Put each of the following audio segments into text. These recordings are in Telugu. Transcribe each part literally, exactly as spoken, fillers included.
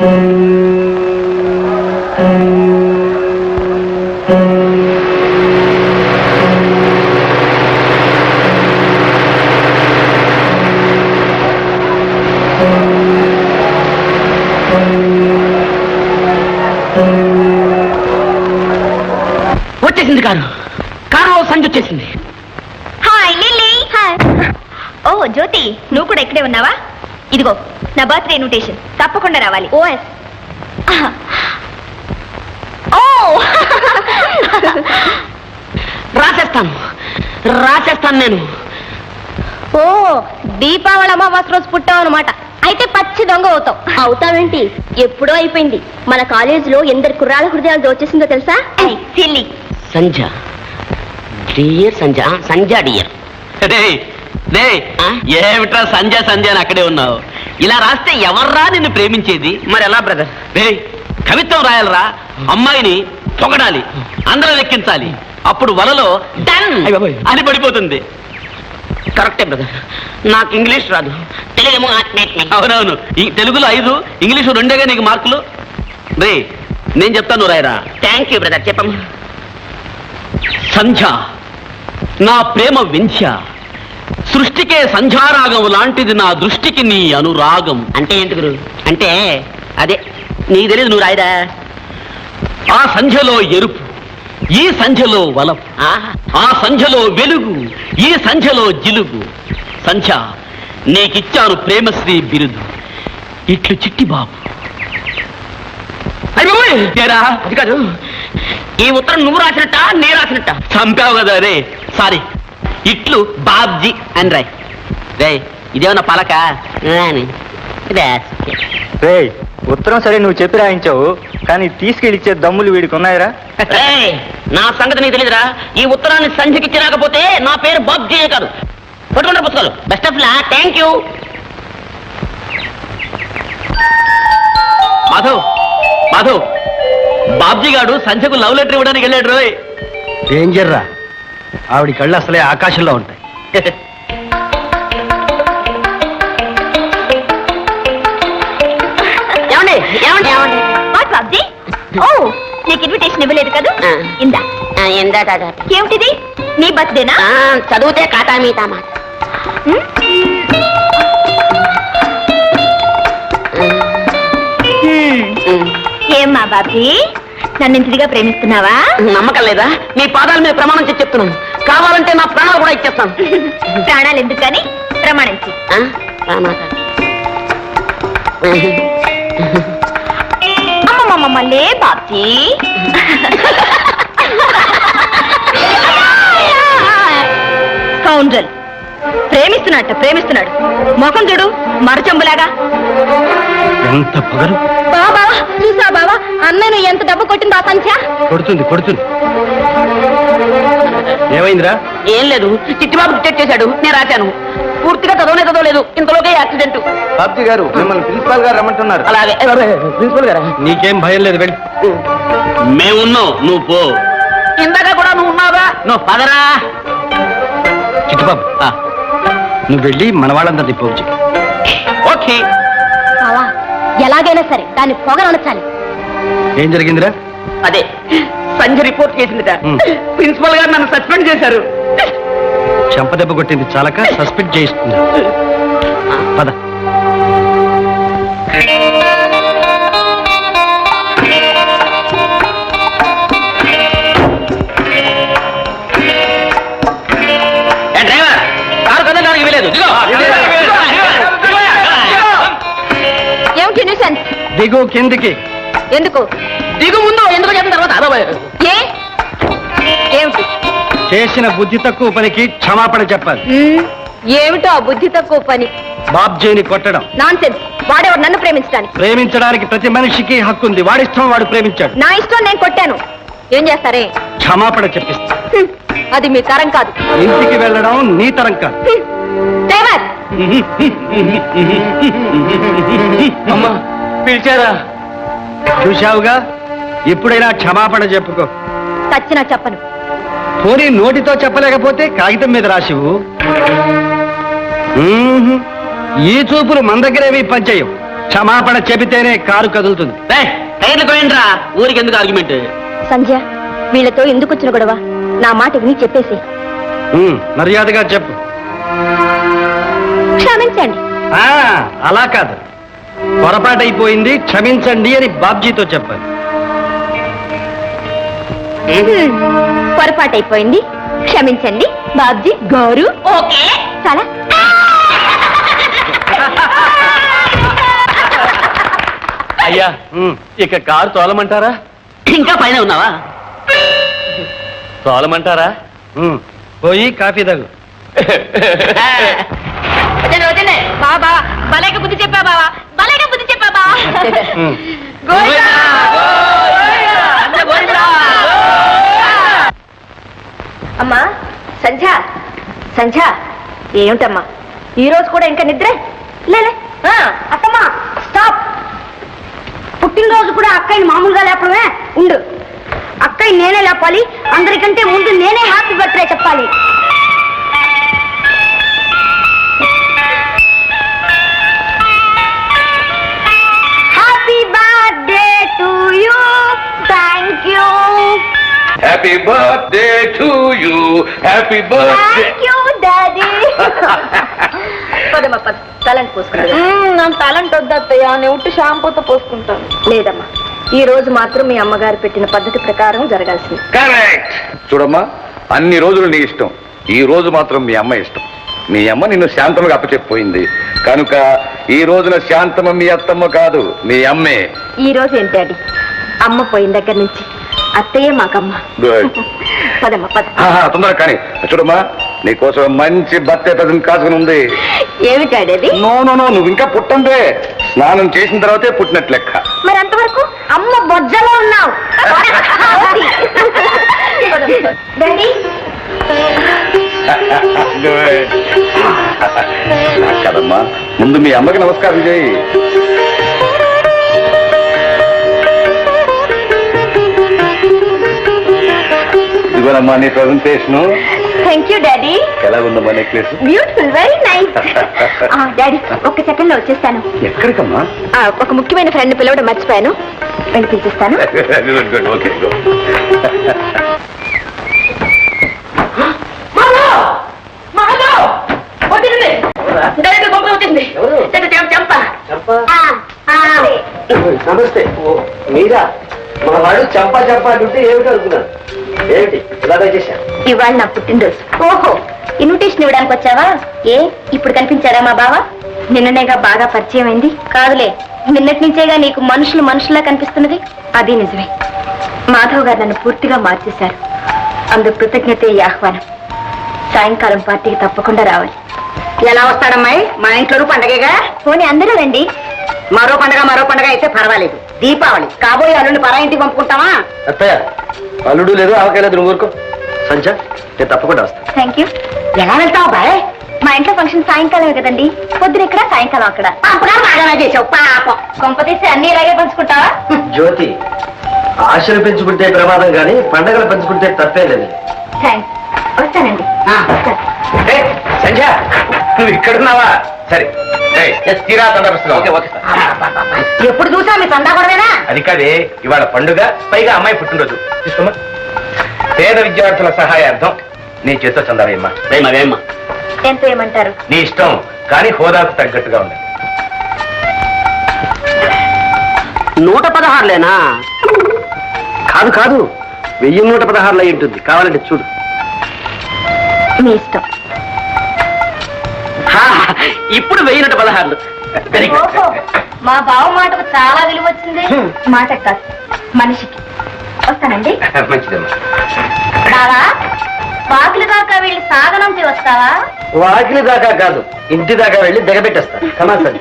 వచ్చేసింది కారు కారు సంజు వచ్చేసింది. Hi Lily. హాయ్. ఓ జ్యోతి, నువ్వు కూడా ఇక్కడే ఉన్నావా? ఇదిగో నా బర్త్డే ఇన్విటేషన్, తప్పకుండా రావాలి. ఓఎస్. ఓ రాసేస్తాను రాసేస్తాను నేను. ఓ దీపావళి అమావాస్య రోజు పుట్టావు అనమాట. అయితే పచ్చి దొంగ అవుతావు. అవుతావేంటి? ఎప్పుడో అయిపోయింది. మన కాలేజీలో ఎందరు కుర్రాళ్ళ హృదయాలు దోచేసిందో తెలుసా? సిల్లీ. సంజ డియర్ సంజ సంజ డియర్. ఏమిట్రా సంజ సంజ అని అక్కడే ఉన్నావు? ఇలా రాస్తే ఎవర్రా నిన్ను ప్రేమించేది? మరి ఎలా బ్రదర్? రే కవిత్వం రాయాలరా, అమ్మాయిని పొగడాలి, అందరూ లెక్కించాలి, అప్పుడు వలలో డన్ అని పడిపోతుంది. కరెక్టే బ్రదర్, నాకు ఇంగ్లీష్ రాదు, తెలుగేమో. అవునవును, ఈ తెలుగులో ఐదు, ఇంగ్లీషు రెండేగా నీకు మార్కులు. రే నేను చెప్తాను రాయరా. థ్యాంక్ యూ బ్రదర్, చెప్పమ్మా. సంధ్య నా ప్రేమ వింధ్య, సృష్టికే సంధ్యారాగం లాంటిది నా దృష్టికి నీ అనురాగం. అంటే ఏంటి గురు? అంటే అదే నీకు తెలియదు, నువ్వు రాయరా. ఆ సంధ్యలో ఎరుపు, ఈ సంధ్యలో వలపు, ఆ సంధ్యలో వెలుగు, ఈ సంధ్యలో జిలుగు. సంధ్య నీకిచ్చాను ప్రేమశ్రీ బిరుదు, ఇట్లు చిట్టి బాబు. అది కాదు, ఈ ఉత్తరం నువ్వు రాసినట్ట నేను రాసినట్ట? చంపావు కదా రే, సారీ. ఇట్లు బాబ్జీ అని రాయ్. రే ఇదేమన్నా పలక? రే ఉత్తరం సరే నువ్వు చెప్పి రాయించావు, కానీ తీసుకెళ్ళిచ్చే దమ్ములు వీడికి ఉన్నాయరా? నా సంగతి నీకు తెలియదురా. ఈ ఉత్తరాన్ని సంధ్యకిచ్చి రాకపోతే నా పేరు బాబ్జీ కాదు. పట్టుకుంటారు పుస్తకాలు. Best of luck. Thank you. Madhav Madhav Babji garu సంధ్యకు లవ్ లెటర్ ఇవ్వడానికి వెళ్ళాడు రోయ్. డేంజర్ రా, ఆవిడ కళ్ళు అసలే ఆకాశంలో ఉంటాయి. ఏమండి ఏమండి ఏమండి వాట్ బాబ్జీ? ఓ నీకు ఇన్విటేషన్ ఇవ్వలేదు కదా? ఇందా. ఎందా ఏమిటిది? నీ బర్త్డేనా? చదివితే కాటా మీతా మాట. ఏమ్మా బాబీ, నన్ను ఇంటిగా ప్రేమిస్తున్నావా? నమ్మకం లేదా? నీ పాదాల మీద ప్రమాణం చేసి చెప్తున్నాను. కావాలంటే నా ప్రాణాలు కూడా ఇచ్చేస్తాను. ప్రాణాలు ఎందుకు కానీ ప్రమాణించి. అమ్మమ్మమ్మలే బాబ్జీ. కౌండ్రల్ ప్రేమిస్తున్నట్ట ప్రేమిస్తున్నాడు. ముఖం చూడు మరచంబులాగా. ఎంత పొగరు! బాబా చూసా బాబా, అన్నను ఎంత డబ్బు కొట్టింది ఆ సంఖ్య? కొడుతుంది కొడుతుంది. ఏమైందిరా? ఏం లేదు, చిట్టిబాబు డిటెక్ట్ చేశాడు, నేను రాశాను. పూర్తిగా చదవనే చదవలేదు, ఇంతలోకే యాక్సిడెంట్. బాబ్జీ గారు మిమ్మల్ని ప్రిన్సిపాల్ గారు రమ్మంటున్నారు. అలాగే ప్రిన్సిపల్ గారా? నీకేం భయం లేదు, వెళ్ళి. మేమున్నాం, నువ్వు పో. ఇందాక కూడా నువ్వు ఉన్నావుగా, నువ్వు పదరా. చిట్టుబాబు నువ్వు వెళ్ళి మన వాళ్ళంతా తిప్పవచ్చు. ఓకే. బావా ఎలాగైనా సరే దాన్ని పొగరనొచ్చాలి. ఏం జరిగిందిరా? అదే సంజయ్ రిపోర్ట్ చేసిందిట. మ్. ప్రిన్సిపల్ గారు నన్ను సస్పెండ్ చేశారు. చెంపదెబ్బ కొట్టింది చాలక సస్పెండ్ చేయిస్తుంది. పద. డ్రైవర్ కారు కదలడానికి వీలేదు. ఏమిటి న్యూసెన్స్? దిగు కిందికి. ఎందుకు? దిగు ముందు, ఎందుకు చెప్పిన తర్వాత అదో ఏ ఏమిటి? చేసిన బుద్ధి తక్కువ పనికి క్షమాపణ చెప్పాలి. మ్మ్, ఏమిటో ఆ బుద్ధి తక్కువ పని? బాబ్జీని కొట్టడం నాన్సెన్స్. వాడేవాడు నన్ను ప్రేమించడానికి. ప్రేమించడానికి ప్రతి మనిషికి హక్కు ఉంది. వాడిష్టం వాడు ప్రేమించాడు. నా ఇష్టం నేను కొట్టాను. ఏం చేస్తారే? క్షమాపణ చెప్పిస్తా. హ్మ్, అది మీ తరం కాదు. ఇంటికి వెళ్ళడం నీ తరం కాదు. హ్మ్, డ్రైవర్ అమ్మా పిలిచారా? చూశావుగా, ఇప్పుడైనా క్షమాపణ చెప్పుకో. చచ్చినా చెప్పను. పోనీ నోటితో చెప్పలేకపోతే కాగితం మీద రాసివు. ఈ చూపులు మన దగ్గరేవి పనిచేయవు. క్షమాపణ చెబితేనే కారు కదులుతుంది టైర్లు పోయిండ్రా ఊరికి ఎందుకు ఆర్గ్యుమెంట్ సంధ్య వీళ్ళతో ఎందుకు వచ్చిన గొడవ నా మాట విని చెప్పేసి మర్యాదగా చెప్పు క్షమించండి ఆ, అలా కాదు పొరపాటైపోయింది క్షమించండి అని బాబ్జీతో చెప్పాలి పొరపాటైపోయింది క్షమించండి బాబ్జీ గారు ఓకే చాలా అయ్యా ఇక కారు తోలమంటారా ఇంకా పైన ఉన్నావా తోలమంటారా పోయి కాఫీ తగు బాబా భలేగా బుద్ధి చెప్పా బావా భలేగా బుద్ధి చెప్పా బా అమ్మా సంధ్య సంధ్య ఏమిటమ్మా ఈ రోజు కూడా ఇంకా నిద్ర లేలే అత్తమ్మా స్టాప్ పుట్టినరోజు కూడా అక్కయ్యని మామూలుగా లేపడమే ఉండు అక్కయ్య నేనే లేపాలి అందరికంటే ముందు నేనే హ్యాపీ బర్త్డే చెప్పాలి happy birthday to you thank you Happy birthday to you. Happy birthday. Thank you daddy పదమ్మా పద తలంటి పోసుకుంటా నా టాలెంట్ వద్దత్తయ్య నేను ఉట్టి షాంపూతో పోసుకుంటాను. లేదమ్మా ఈ రోజు మాత్రం మీ అమ్మగారు పెట్టిన పద్ధతి ప్రకారం జరగాల్సింది Correct. చూడమ్మా అన్ని రోజులు నీ ఇష్టం ఈ రోజు మాత్రం మీ అమ్మ ఇష్టం మీ అమ్మ నిన్ను శాంతమ్మగా అప్పచెప్పిపోయింది కనుక ఈ రోజున శాంతమ్మ మీ అత్తమ్మ కాదు మీ అమ్మే. ఈ రోజు ఏంటి డాడీ అమ్మ పోయిన దగ్గర నుంచి అత్తయ్యే మాకమ్మ Good. పదమ్మా పద ఆహా, తొందరగా కానీ చూడమ్మా నీకోసం మంచి బర్త్డే ప్రజెంట్ కాసుకుని ఉంది. ఏమి డాడీ అది నో నో నో నువ్వు ఇంకా పుట్టందే స్నానం చేసిన తర్వాతే పుట్టినట్లు లెక్క. మరి అంతవరకు అమ్మ బొజ్జలో ఉన్నావు డాడీ Good. నాకు కదమ్మా ముందు మీ అమ్మకి నమస్కారం చేయి. ఇదిగోనమ్మా నీ ప్రజెంటేషన్. థ్యాంక్ యూ డాడీ ఎలా ఉందమ్మా necklace? Beautiful very nice daddy ఒక్క సెకండ్ లో వచ్చేస్తాను ఎక్కడికమ్మా? ఆ, ఒక ముఖ్యమైన ఫ్రెండ్ పిలవడం మర్చిపోయాను వెళ్ళి పిలిపిస్తాను గుడ్ గుడ్ ఓకే నమస్తే మీరా మా వాడు చంపా చంపా అంటుంటే ఏమిటి అనుకున్నాను ఏమిటి ఇలాగే చేశాను ఇవాళ నా పుట్టినరోజు ఓహో ఇన్విటేషన్ ఇవ్వడానికి వచ్చావా ఏ ఇప్పుడు కనిపించారా మా బావ నిన్ననేగా బాగా పరిచయం అయింది కాదులే నిన్నటి నుంచేగా నీకు మనుషులు మనుషులా కనిపిస్తున్నది అది నిజమే మాధవ్ గారు నన్ను పూర్తిగా మార్చేశారు అందుకు కృతజ్ఞత ఈ ఆహ్వానం సాయంకాలం పార్టీకి తప్పకుండా రావాలి ఎలా వస్తాడమ్మాయి మా ఇంట్లో పండగగా పోనీ అందరూ రండి మరో పండగ మరో పండగ అయితే పర్వాలేదు దీపావళి కాబోయే అల్లుని పరా ఇంటికి పంపుకుంటావా? అత్తయ్య అల్లుడు లేదు ఆవకాయ లేదు నువ్వు ఊరుకో. సంచ నేను తప్పకుండా వస్తాను. థ్యాంక్ యూ ఎలా వెళ్తావు బాయ్? మా ఇంట్లో ఫంక్షన్ సాయంకాలమే కదండి పొద్దున ఇక్కడ సాయంకాలం అక్కడ పంపగా బాగానే చేసావు పాపం. కొంపతీసి అన్ని ఇలాగే పంచుకుంటావా జ్యోతి ఆశలు పెంచుకుంటే ప్రమాదం కానీ పండగలు పెంచుకుంటే తప్పే లేదు. థ్యాంక్స్ వస్తానండి ఆ. సంధ్య నువ్వు ఇక్కడున్నావా? సరే తీరా తొందరస్తున్నా. ఓకే ఓకే ఎప్పుడు చూసా మీ సందా గొడవేనా? అది కాదే ఇవాళ పండుగ పైగా అమ్మాయి పుట్టినరోజు తీసుకోమా. పేద విద్యార్థుల సహాయార్థం నీ చేత చందావేమ్మా. అవేమ్మా ఎంత ఏమంటారు నీ ఇష్టం కానీ హోదాకు తగ్గట్టుగా ఉంది. నూట పదహారులేనా? కాదు కాదు వెయ్యి నూట పదహారులో అయి ఉంటుంది కావాలంటే చూడు. మీ ఇష్టం హా, ఇప్పుడు వెయ్యి నూట పదహారులు వెరీ గుడ్. ఓహో, మా బావ మాటకు చాలా విలువ వచ్చింది మాట కాదు మనిషికి వస్తానండి మంచిదమ్మా. బావా వాకిలి దాకా వెళ్ళి సాగనంపి వస్తావా వాకిలి దాకా కాదు ఇంటి దాకా వెళ్ళి దిగబెట్టేస్తా. కమా సార్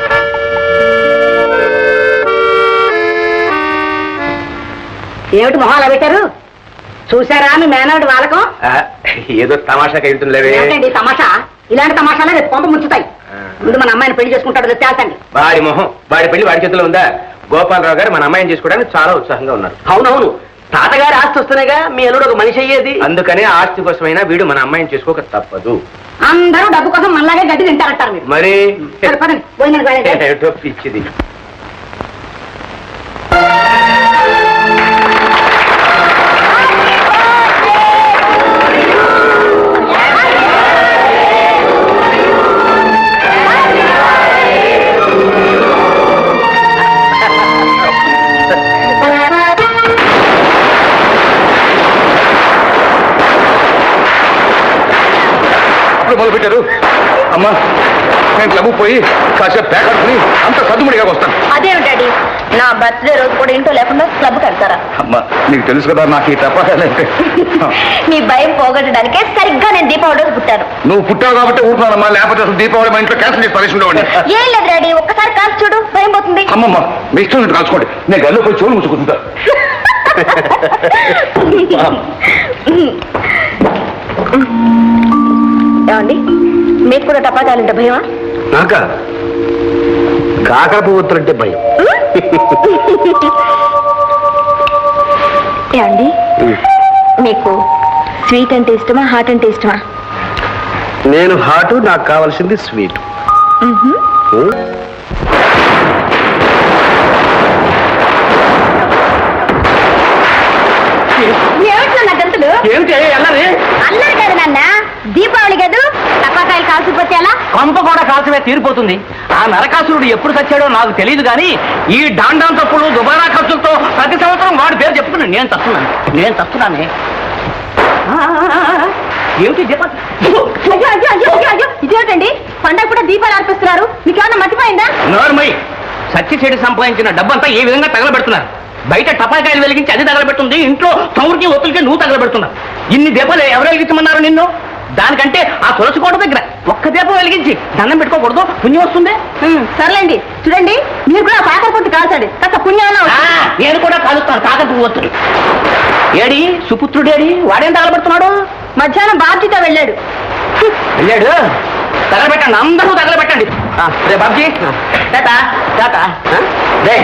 ఏమిటి మొహాలు పెట్టారు? చూసారా మీ మేనవుడి వాళ్ళకం? ఆ, ఏదో తమాషాగా వెళ్తుందిలేవే. ఏంటండి ఈ తమాషా? ఇలాంటి తమాషాలే రేపు కొంత ముంచుతాయి. ముందు మన అమ్మాయిని పెళ్లి చేసుకుంటాడు తేల్చండి. వాడి మొహం వాడి పెళ్లి వాడి చేతిలో ఉందా? గోపాలరావు గారు మన అమ్మాయిని చేసుకోవడానికి చాలా ఉత్సాహంగా ఉన్నారు. అవునవును తాతగారి ఆస్తి వస్తున్నాయిగా మీ అల్లుడు ఒక మనిషి అయ్యేది. అందుకనే ఆస్తి కోసమైనా వీడు మన అమ్మాయిని చేసుకోక తప్పదు. అందరూ డబ్బు కోసం మనలాగే గడ్డి తింటారంటారు మీరు. మరి సరే, పదండి, భోజనానికి వెళ్ళండి. ఏటో పిచ్చిది. మొదలు పెట్టారు. అమ్మా నేను క్లబ్ పోయి కాసేపు పేకట్టుకుని అంత సద్దుముడిగా వస్తాను. అదేమి డాడీ, నా బర్త్డే రోజు కూడా ఇంట్లో లేకుండా క్లబ్ కడతారా? అమ్మా నీకు తెలుసు కదా నాకు ఈ టపాకాలంటే. మీ భయం పోగొట్టడానికే సరిగ్గా నేను దీపావళి రోజు పుట్టాను. నువ్వు పుట్టావు కాబట్టి ఊరుకున్నానమ్మా, లేకపోతే అసలు దీపావళి మా ఇంట్లో క్యాన్సిల్ చేసి పరిస్థితి ఉండేవాడిని. ఏం లేదు డాడీ, ఒక్కసారి కాల్చి చూడు, భయం పోతుంది. అమ్మమ్మ మీ ఇష్టం నుండి కాల్చుకోండి, నేను గల్లు పోయి చెవులు ముచ్చుకుంటా. ఏమండి, మీకు కూడా టపాకాయలంటే భయమా? నాక కాకర పువ్వుతులంటే భయం. ఏమండి, మీకు స్వీట్ అంటే ఇష్టమా, హాట్ అంటే ఇష్టమా? నేను హాటు, నాకు కావాల్సింది స్వీట్. ఏమిటి గంతులు? ఏమిటి అన్నది? అల్లరి కదా నాన్న, దీపావళి కాదు, టపాకాయలు కాల్చిపోతే ఎలా? కొంప కూడా కాల్చమే తీరిపోతుంది. ఆ నరకాసురుడు ఎప్పుడు చచ్చాడో నాకు తెలియదు కానీ ఈ డాండాం తప్పులు దుబారా ఖర్చులతో ప్రతి సంవత్సరం వాడి పేరు చెప్పుకుని నేను తస్తున్నాను నేను తస్తున్నానే. ఆ, ఆ, ఆ, ఏమిటి దీప అయ్యో అయ్యో అయ్యో అయ్యో అయ్యో, ఇదేమిటండి పండగ కూడా దీపాలు అర్పిస్తున్నారు, మీకు ఏమన్నా మర్చిపోయిందా? నోర్మై సచ్చి చెడి సంపాదించిన డబ్బంతా ఏ విధంగా తగలబెడుతున్నారు? బయట టపాకాయలు వెలిగించి అది తగలబెట్టుంది, ఇంట్లో చౌరికి ఒత్తులకి నువ్వు తగలబెడుతున్నావు. ఇన్ని దీపాలు ఎవరు వెలిగించమన్నారు నిన్ను? దానికంటే ఆ తులసి కోట దగ్గర ఒక్క దీపం వెలిగించి దండం పెట్టుకోకూడదు, పుణ్యం వస్తుంది. సర్లేండి, చూడండి మీరు కూడా కాకర పొట్టు కాల్చండి, కాస్త పుణ్యం. ఆ, నేను కూడా కాలుస్తాను కాకర పువ్వు ఒత్తులు. ఏడి సుపుత్రుడేడి, వాడేం తగలబెడుతున్నాడు? మధ్యాహ్నం బాబ్జీతో వెళ్ళాడు. వెళ్ళాడు, తగలబెట్టండి, అందరూ తగలబెట్టండి. ఆ, రే బాబ్జీ టాటా టాటా. ఆ, రే.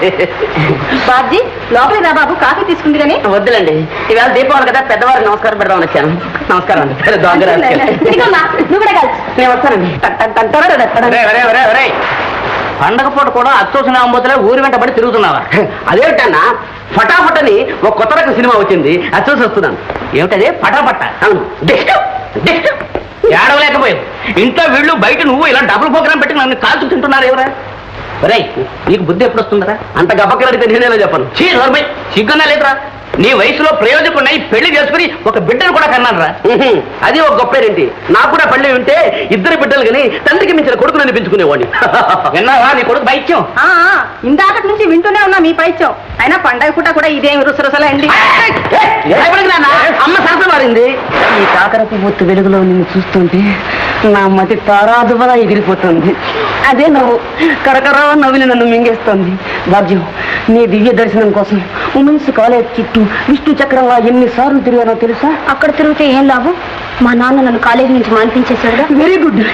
బాబ్జీ లోపలికి రా బాబు, కాఫీ తీసుకుంది కానీ. వద్దులండి, ఈవేళ దీపావళి కదా, పెద్దవారికి నమస్కారం పెడదామని వచ్చాను. నమస్కారం అండి. సరే, దొంగ రాజకీయాలు. ఇదిగోమ్మా, నువ్వు కూడా కాల్చు. నేను వస్తానండి. ఒరేయ్, ఒరేయ్, ఒరేయ్, ఒరేయ్. పండగ పూట కూడా అచ్చోసిన అమ్మతులే ఊరి వెంట పడి తిరుగుతున్నావా? అదేమిటన్నా, ఫటాఫట్ అని ఒక కొత్త రకం సినిమా వచ్చింది, అది చూసి వస్తున్నాను. ఏమిటది పటాపట్ట? అవును, డిస్ట్ డిస్ట్ ఏడవలేకపోయింది. ఇంట్లో వీళ్ళు బయట నువ్వు ఇలా డబుల్ ప్రోగ్రామ్ పెట్టి నన్ను కాల్చు తింటున్నారు ఎవరా? ఒరేయ్, నీకు బుద్ధి ఎప్పుడు వస్తుందరా? అంత గబ్బక్కలడితే నేనేలా చెప్పను. చీ నోర్మై, సిగ్గున్నా లేదురా? నీ వయసులో ప్రయోజకున్నాయి పెళ్లి చేసుకుని ఒక బిడ్డను కూడా కన్నాను రా. ఉహుం, అది ఒక గొప్పేరేంటి, నాకు కూడా పళ్ళి ఉంటే ఇద్దరు బిడ్డలు కానీ తండ్రికి మించిన కొడుకుని అనిపించుకునేవాడిని. విన్నావా నీ కొడుకు బైత్యం? ఆ, ఆ, ఇందాకటి నుంచి వింటూనే ఉన్నా మీ పైత్యం. అయినా పండగ పూట కూడా ఇదేమి రుసరుసలే అండి. భయపడకు నాన్న, అమ్మ సరస మారింది. ఈ కాకర పువ్వు వెలుగులో నిన్ను చూస్తుంటే నా మతి తారాదువలా ఎగిరిపోతుంది. అదే నవ్వు కరకరా నవ్విని నన్ను మింగేస్తుంది. భాగ్యం, నీ దివ్య దర్శనం కోసం ఉమెన్స్ కాలేజ్ చుట్టూ విష్ణు చక్రంగా ఎన్నిసార్లు తిరిగానో తెలుసా? అక్కడ తిరిగితే ఏం లాభం? మా నాన్న నన్ను కాలేజీ నుంచి మానిపించేశాడుగా. Very good.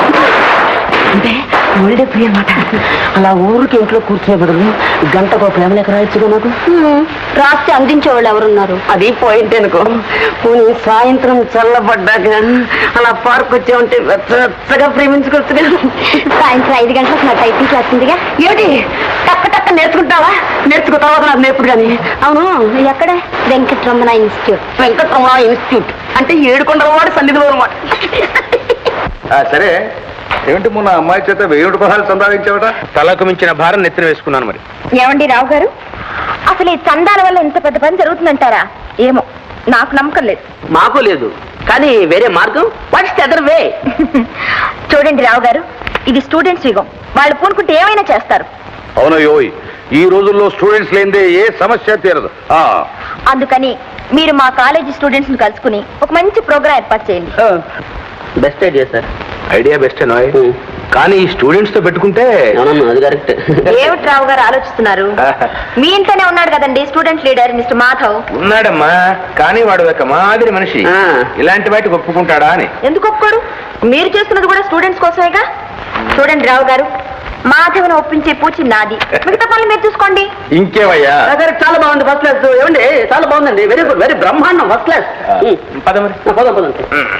అంటే ఒళ్ళే ప్రియ మాట. అలా ఊరికి ఇంట్లో కూర్చునే బదులు గంటకు ప్రేమ లేఖ రాయొచ్చుగా నాకు. రాస్తే అందించేవాళ్ళు ఎవరున్నారు? అది పాయింట్ అనుకో. పోనీ సాయంత్రం చల్లబడ్డాక అలా పార్క్ వచ్చే ఉంటే వెచ్చగా ప్రేమించుకోవచ్చుగా. సాయంత్రం ఐదు గంటలకు నా టైపింగ్ క్లాస్ ఉందిగా. ఏమిటి టక్క టక్క నేర్చుకుంటావా? నేర్చుకున్న తర్వాత నాకు నేర్పుడు కానీ. అవును, ఎక్కడ? వెంకటరమణ ఇన్స్టిట్యూట్. వెంకటరమణ ఇన్స్టిట్యూట్ అంటే ఏడుకొండల వాడు సన్నిధిలో అనమాట. సరే, ఏమిటి మొన్న అమ్మాయి చేత వెయ్యి రూపాయలు సంపాదించావట? తలకు మించిన భారం నెత్తిన వేసుకున్నాను. మరి ఏమండి రావు గారు, అసలు ఈ చందాల వల్ల ఇంత పెద్ద పని జరుగుతుందంటారా? ఏమో, నాకు నమ్మకం లేదు. మాకు లేదు, కానీ వేరే మార్గం. What's the other way? చూడండి రావు గారు, ఇది స్టూడెంట్స్ యుగం, వాళ్ళు పూనుకుంటే ఏమైనా చేస్తారు. అవునయ్యోయ్, ఈ రోజుల్లో స్టూడెంట్స్ లేనిదే ఏ సమస్య తీరదు. ఆ, అందుకని మీరు మా కాలేజీ స్టూడెంట్స్ ని కలుసుకుని ఒక మంచి ప్రోగ్రాం ఏర్పాటు చేయండి. Best idea sir. ఐడియా బెస్టే నాయ్, కానీ ఈ స్టూడెంట్స్ తో పెట్టుకుంటే అవునమ్మా, అది కరెక్ట్. ఏమిటి రావు గారు ఆలోచిస్తున్నారు? మీ ఇంట్లోనే ఉన్నాడు కదండి స్టూడెంట్ లీడర్ మిస్టర్ మాధవ్. ఉన్నాడమ్మా, కానీ వాడు ఒక మాదిరి మనిషి. ఆ. ఇలాంటి వాటికి ఒప్పుకుంటాడా అని. ఎందుకు ఒప్పుకోడు? మీరు చేస్తున్నది కూడా స్టూడెంట్స్ కోసమేగా. చూడండి రావు గారు, మాధవ్ను ఒప్పించే పూచి నాది, మిగతా పనులు మీరు చూసుకోండి. ఇంకేవయ్యా సరే చాలా బాగుంది ఫస్ట్ క్లాస్ ఏమండి చాలా బాగుందండి వెరీ గుడ్ వెరీ బ్రహ్మాండం ఫస్ట్ క్లాస్ పద మరి పదం పదండి